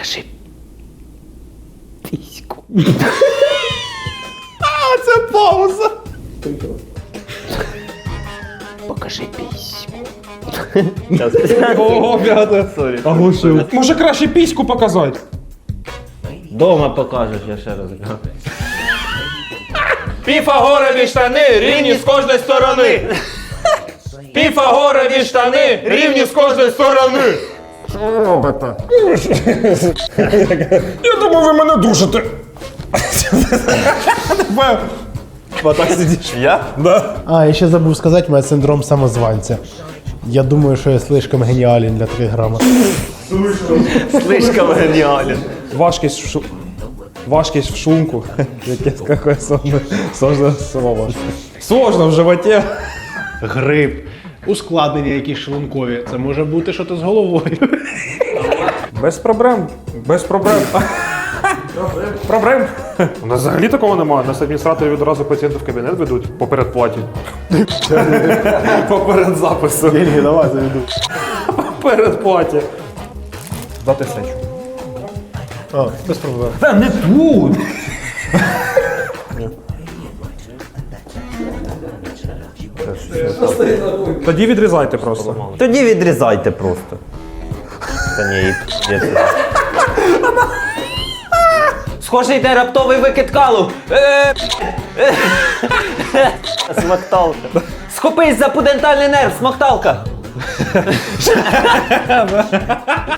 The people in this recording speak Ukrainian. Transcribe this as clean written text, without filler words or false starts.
Покажи піську. Це пауза. Покажи піську. Ого, п'ята. Оглушив. Може краще піську показати? Дома покажеш, я ще раз кажу. Піфагорові штани рівні з кожної сторони. Піфагорові штани рівні з кожної сторони. Я думав, ви мене душите. Так сидиш. Я? Да. А, я ще забув сказати, у мене синдром самозванця. Я думаю, що я слишком геніален для 3 грама. Слишком геніален. Важкість в шумку. Какое сложное слово. Сложно в животі. Грип. Ускладнення якісь шлункові. Це може бути щось з головою. Без проблем. Без проблем. Проблем. У нас взагалі такого немає. Нас адміністратори відразу пацієнтів в кабінет ведуть по передплаті. По передзапису. Деньги давай заведу. По передплаті. Дати сечу. А, без проблем. Та не тут! Тоді відрізайте просто. Тоді відрізайте просто. Та ні, є це. Схоже, йде раптовий викид калу. Смакталка. Схопись за пудентальний нерв, смокталка.